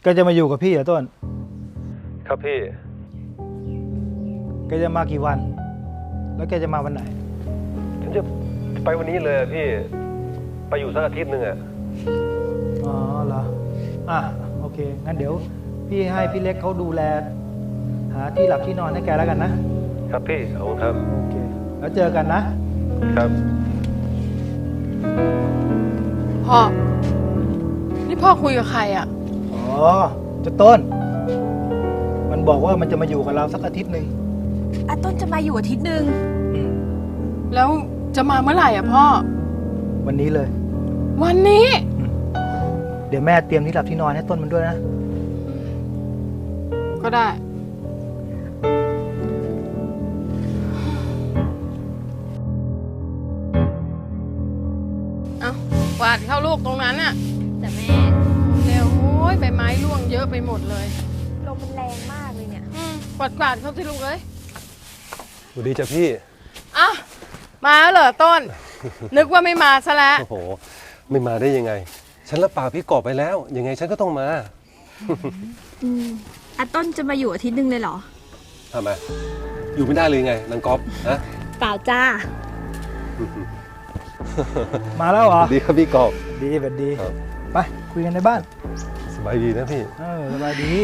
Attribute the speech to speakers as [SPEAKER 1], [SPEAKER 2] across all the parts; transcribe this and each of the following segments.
[SPEAKER 1] แกจะมาอยู่กับพี่เหรอต้น
[SPEAKER 2] ครับพี่
[SPEAKER 1] แกจะมากี่วัน แล้วแกจะมาวันไหน
[SPEAKER 2] ฉันจะไปวันนี้เลยพี่ ไปอยู่สักอาทิตย์หนึ่งอะ
[SPEAKER 1] อ๋อเหรอโอเคงั้นเดี๋ยวพี่ให้พี่เล็กเขาดูแล หาที่หลับที่นอนให้แกแล้วกันนะครับ
[SPEAKER 2] พี่ขอบคุณครับ
[SPEAKER 1] โอเคแล้วเจอกันนะครับ
[SPEAKER 3] พ่อ นี่พ่อคุยกับใครอ่ะ
[SPEAKER 1] อ๋อเจะต้น มันบอกว่ามันจะมาอยู่กับเราสักอาทิตย์หนึ่ง
[SPEAKER 4] อาต้นจะมาอยู่อาทิตย์หนึ่ง
[SPEAKER 1] อืม
[SPEAKER 3] แล้วจะมาเมื่อไหร่อ่ะพ่อ
[SPEAKER 1] วันนี้เลย
[SPEAKER 3] วันนี้
[SPEAKER 1] เดี๋ยวแม่เตรียมที่หลับที่นอนให้ต้นมันด้วยนะ
[SPEAKER 3] ก็ได้ เอากวาดเข้าลูกตรงนั้นน่ะ
[SPEAKER 4] แต่แม่
[SPEAKER 3] เร็วโอ้ยใบไม้ร่วงเยอะไปหมดเลย
[SPEAKER 4] ลมมันแรงมากเลยเนี่ย
[SPEAKER 3] กวาดเข้าที่ลูกเลย
[SPEAKER 2] สวัสดีจ้ะพี่
[SPEAKER 3] อ้าวมาแล้วเหรอต้น นึกว่าไม่มาซะแล้ว
[SPEAKER 2] โอ้โห ไม่มาได้ยังไง ฉันรับปากพี่กอบไปแล้ว ยังไงฉันก็ต้องมา
[SPEAKER 4] อาต้นจะมาอยู่อาทิตย์หนึ่งเลยเหรอ
[SPEAKER 2] ทำไม อยู่ไม่ได้เลยไงนางก๊อฟฮะ
[SPEAKER 4] เปล่าจ้า
[SPEAKER 1] มาแล้วเหรอ
[SPEAKER 2] ดีครับพี่กอบ
[SPEAKER 1] ดีแบบดี
[SPEAKER 2] ครับ
[SPEAKER 1] ไปคุยกันในบ้าน
[SPEAKER 2] สบายดีนะพี่
[SPEAKER 1] สบายดี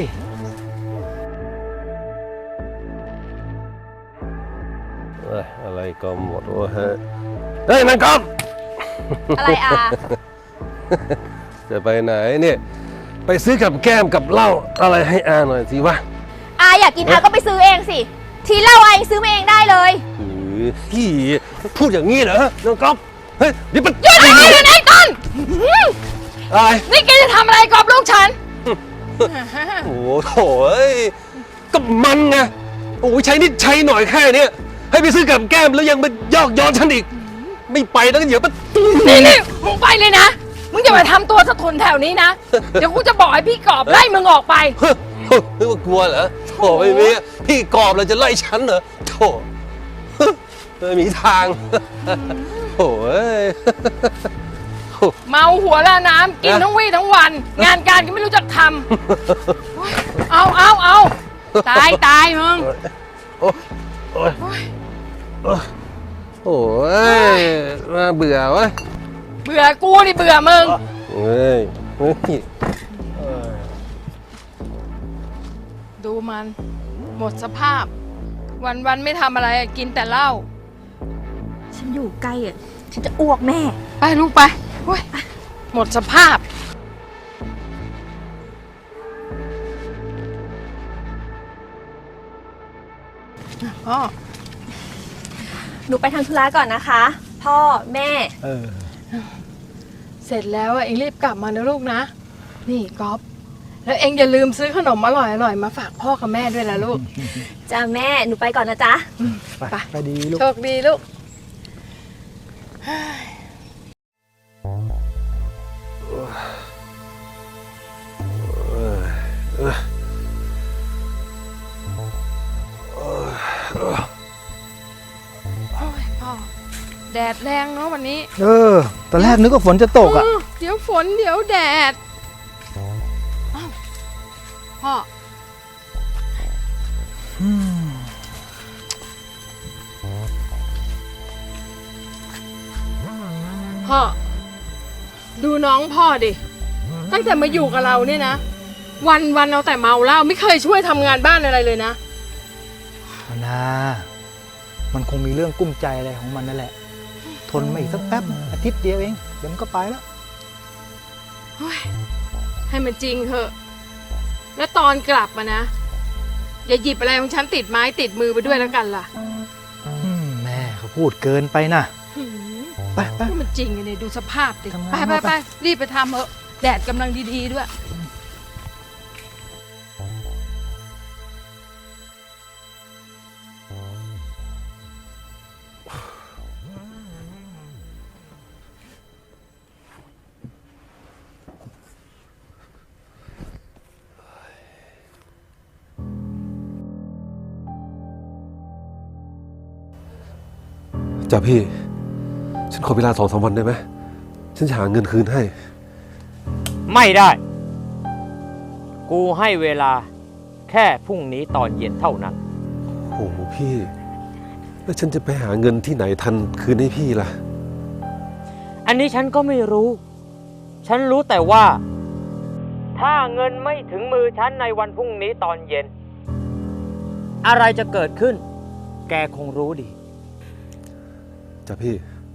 [SPEAKER 2] อะไรก็หมดวะฮะเฮ้ยนางก๊อฟ
[SPEAKER 4] อะไรอา
[SPEAKER 2] จะไปไหนเนี่ย ไปซื้อกับแก้มกับเหล้าอะไรให้อาหน่อยสิวะ
[SPEAKER 4] อาอยากกินอาก็ไปซื้อเองสิ ทีเหล้าอายังซื้อมาเองได้เลย
[SPEAKER 2] พี่พูดอย่างนี้เหรอน้องก๊อฟเฮ้ยเดี๋ยวมัน
[SPEAKER 3] หยุดอะไรเลยนะไอ้ต้น
[SPEAKER 2] อะไร
[SPEAKER 3] นี่แกจะทำอะไรกับลูกฉัน
[SPEAKER 2] โอ้โหโถ่เอ้ยก็มันไงโอ้ยใช้นิดใช้หน่อยแค่เนี้ยให้ไปซื้อกับแก้มแล้วยังมายอกย้อนฉันอีก ไม่ไปแล้วเดี๋ยวมัน
[SPEAKER 3] นี่มึงไปเลยนะ มึงอย่ามาทำตัวสะทุนแถวนี้นะ เดี๋ยวกูจะบอกให้พี่กอบไล่มึงออกไป
[SPEAKER 2] เฮ้ยนึกว่ากลัวเหรอโถ่ไม่มีพี่กอบเราจะไล่ฉันเหรอโถ่ไม่มีทางโถ่เอ้ย
[SPEAKER 3] เมาหัวละน้ำกินทั้งวี่ทั้งวัน งานการก็ไม่รู้จักทำเอาตายมึง
[SPEAKER 2] โอ้ยโอ้ยโอ้ยน่าเบื่อวะ
[SPEAKER 3] เบื่อกูนี่เบื่อมึง
[SPEAKER 2] เฮ้ยเฮ้ย
[SPEAKER 3] ดูมัน หมดสภาพ วันไม่ทำอะไรกินแต่เหล้า
[SPEAKER 4] ฉันอยู่ใกล้อ่ะ ฉันจะอ้วกแม่
[SPEAKER 3] ไปลูกไปโอ้ยหมดสภาพ พ่อ
[SPEAKER 4] หนูไปทำธุระก่อนนะคะ พ่อแม่
[SPEAKER 3] เสร็จแล้วอะเองรีบกลับมานะลูกนะ นี่ก๊อฟแล้วเองอย่าลืมซื้อขนมอร่อยมาฝากพ่อกับแม่ด้วยนะลูก
[SPEAKER 4] จ้าแม่ หนูไปก่อนนะจ๊ะ
[SPEAKER 1] ไปดีลูก
[SPEAKER 3] โชคดีลูก โอ้ยพ่อ แดดแรงเนาะวันนี้
[SPEAKER 1] ตอนแรกนึกว่าฝนจะตกอ่ะ
[SPEAKER 3] เดี๋ยวฝนเดี๋ยวแดดอ้าวพ่อ พ่อ ดูน้องพ่อดิ ตั้งแต่มาอยู่กับเราเนี่ยนะ วันเอาแต่เมาเหล้าไม่เคยช่วยทำงานบ้านอะไรเลยนะ
[SPEAKER 1] มันคงมีเรื่องกุ้มใจอะไรของมันนั่นแหละ ทนมาอีกสักแป๊บอาทิตย์เดียวเองเดี๋ยวมันก็ไปแล้ว
[SPEAKER 3] เฮ้ยให้มันจริงเถอะ แล้วตอนกลับมานะ อย่าหยิบอะไรของฉันติดไม้ติดมือไปด้วยแล้วกันล่ะ
[SPEAKER 1] แม่เขาพูดเกินไปนะไป
[SPEAKER 3] นี่มันจริงเลยดูสภาพดิ
[SPEAKER 1] ทำงาน
[SPEAKER 3] ไป
[SPEAKER 1] มา
[SPEAKER 3] ไปรีบไปทำเถอะแดดกำลังดีๆด้วย
[SPEAKER 2] จ้ะพี่ ฉันขอเวลา2-3 วันได้ไหมฉันจะหาเงินคืนให้
[SPEAKER 1] ไม่ได้
[SPEAKER 5] กูให้เวลาแค่พรุ่งนี้ตอนเย็นเท่านั้น
[SPEAKER 2] โอ้โหพี่ แล้วฉันจะไปหาเงินที่ไหนทันคืนให้พี่ล่ะ
[SPEAKER 5] อันนี้ฉันก็ไม่รู้ ฉันรู้แต่ว่า ถ้าเงินไม่ถึงมือฉันในวันพรุ่งนี้ตอนเย็น อะไรจะเกิดขึ้น แกคงรู้ดี
[SPEAKER 2] จ้ะพี่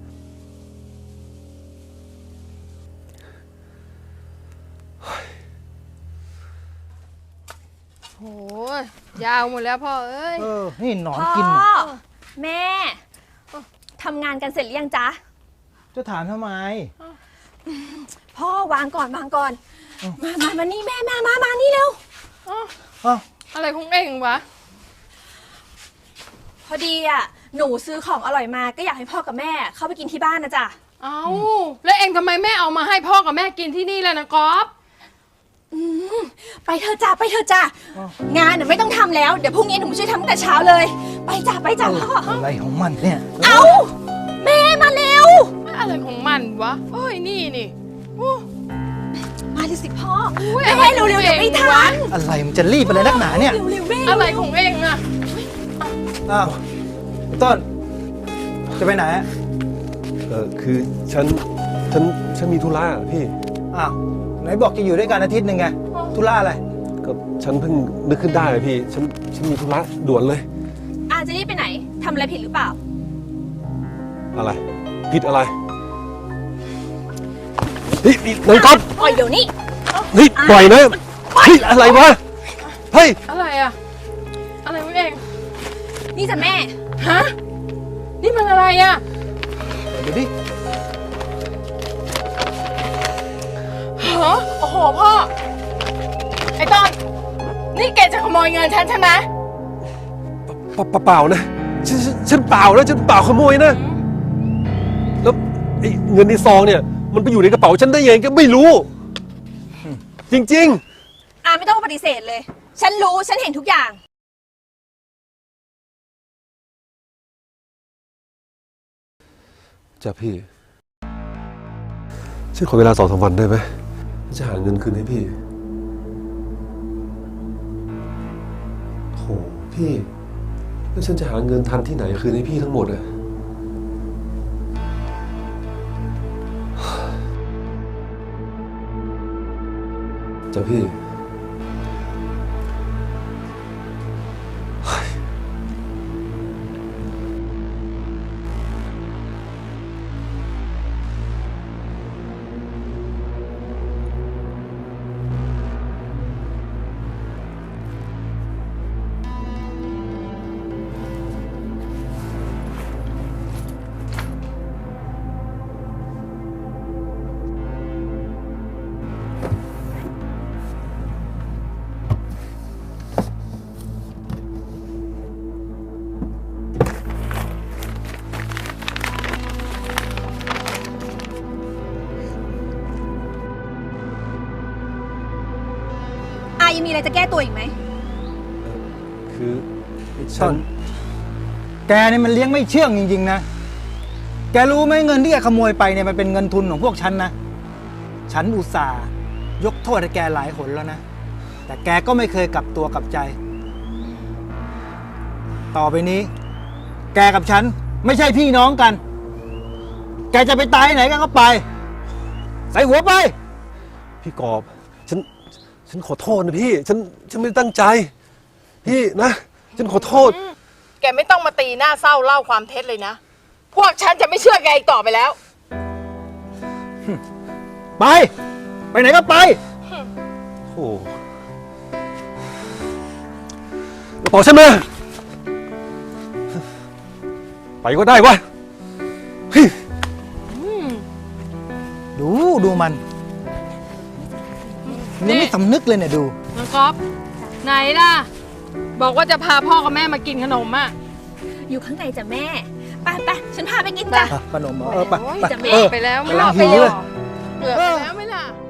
[SPEAKER 3] โหยาวหมดแล้วพ่อเอ้ย
[SPEAKER 1] นี่หนอน
[SPEAKER 4] พ่อ
[SPEAKER 1] กิน
[SPEAKER 4] แม่ทำงานกันเสร็จหรือยังจ๊ะ
[SPEAKER 1] จะถามทำไม
[SPEAKER 4] พ่อวางก่อนวางก่อน มานี่แม่มานี่เร็ว
[SPEAKER 1] อ้าว
[SPEAKER 3] อะไรของเองวะ
[SPEAKER 4] พอดีอ่ะหนูซื้อของอร่อยมาก็อยากให้พ่อกับแม่เข้าไปกินที่บ้านนะจ๊ะ
[SPEAKER 3] เอาแล้วเองทำไมไม่เอามาให้พ่อกับแม่กินที่นี่ล่ะนะก๊อฟ
[SPEAKER 4] ไปเถอะจ้ะไปเถอะจ้ะงานน่ะไม่ต้องทำแล้วเดี๋ยวพรุ่งนี้หนูช่วยทำตั้งแต่เช้าเลย ไปจ้ะพ่อ
[SPEAKER 1] อะไรของมันเนี่ย
[SPEAKER 4] เอาแม่มาเร็ว
[SPEAKER 3] อะไรของมันวะเอ้ยนี่โอ้
[SPEAKER 4] มาเลยสิพ่อ
[SPEAKER 3] อุ๊ย
[SPEAKER 4] แม่เร็วๆเดี๋ยวไม่ทัน
[SPEAKER 1] อะไรมันจะรีบอะไรนักหนาเนี่ย
[SPEAKER 4] เร็วๆแม่
[SPEAKER 3] อะไรของเองอะ
[SPEAKER 1] อ้าวต้น จะไปไหนอะ
[SPEAKER 2] คือฉันมีธุระอะพี่
[SPEAKER 1] อ้าวไหนบอกจะอยู่ด้วยกันอาทิตย์หนึ่งไงธุระอะไร
[SPEAKER 2] ก็ฉันเพิ่งนึกขึ้นได้อะพี่ ฉันมีธุระด่วนเลย
[SPEAKER 4] อาจะนี่ไปไหนทำอะไรผิดหรือเปล่า
[SPEAKER 2] อะไร ผิดอะไรนี่นายก๊อฟ
[SPEAKER 4] ปล่อยเดี๋ยวนี้
[SPEAKER 2] นี่ปล่อยนะเฮ้ยอะไรวะ เฮ้ย
[SPEAKER 3] อะไรอะอะไรของเอง
[SPEAKER 4] นี่จ้ะแม่
[SPEAKER 3] ฮะนี่มันอะไรอะ
[SPEAKER 1] เดี๋ยวดิ
[SPEAKER 3] ฮะโอ้โหพ่อไอ้ต้นนี่แกจะขโมยเงินฉันใช่ไหม
[SPEAKER 2] เปล่านะฉันเปล่านะฉันเปล่าขโมยนะ แล้วไอ้เงินในซองเนี่ย มันไปอยู่ในกระเป๋าฉันได้ยังไงก็ไม่รู้ จริง
[SPEAKER 4] ไม่ต้องปฏิเสธเลย ฉันรู้ฉันเห็นทุกอย่าง
[SPEAKER 2] ๆจ้ะพี่ ฉันขอเวลา2-3 วันได้ไหมจะหาเงินคืนให้พี่โหพี่แล้วฉันจะหาเงินทันที่ไหนคืนให้พี่ทั้งหมดอะจ้ะพี่
[SPEAKER 4] ยังมีอะไรจะแก้ตัวอีกไหม
[SPEAKER 2] คือฉั
[SPEAKER 1] ต้
[SPEAKER 2] น
[SPEAKER 1] น แกนี่มันเลี้ยงไม่เชื่องจริงๆนะ แกรู้ไหมเงินที่แกขโมยไปเนี่ยมันเป็นเงินทุนของพวกฉันนะ ฉันอุตส่าห์ยกโทษให้แกหลายหนแล้วนะ แต่แกก็ไม่เคยกลับตัวกลับใจ ต่อไปนี้ แกกับฉันไม่ใช่พี่น้องกัน แกจะไปตายไหนก็ไป ใส่หัวไป
[SPEAKER 2] พี่กอบฉันขอโทษนะพี่ ฉันไม่ได้ตั้งใจ พี่นะ ฉันขอโทษ
[SPEAKER 3] แกไม่ต้องมาตีหน้าเศร้าเล่าความเท็จเลยนะ พวกฉันจะไม่เชื่อแกอีกต่อไปแล้ว
[SPEAKER 1] ไป ไปไหนก็ไป
[SPEAKER 2] โอ้กระเป๋าฉันมาไปก็ได้วะเฮ้ย
[SPEAKER 1] ดูมันยังไม่สำนึกเลยเนี่ยดู
[SPEAKER 3] น้องก๊อฟไหนล่ะ บอกว่าจะพาพ่อกับแม่มากินขนมอ่ะ
[SPEAKER 4] อยู่ข้างในจ้ะแม่ ไปฉันพาไปกินจ้ะ
[SPEAKER 1] ขนมเหรอไป
[SPEAKER 3] โอ้ย
[SPEAKER 1] ไป
[SPEAKER 3] จะเมไปแล้วไม่หลับไป
[SPEAKER 1] กำลังหิว
[SPEAKER 3] แล้ว
[SPEAKER 1] เลย
[SPEAKER 3] เกือบไปแล้วไม่ล่ะ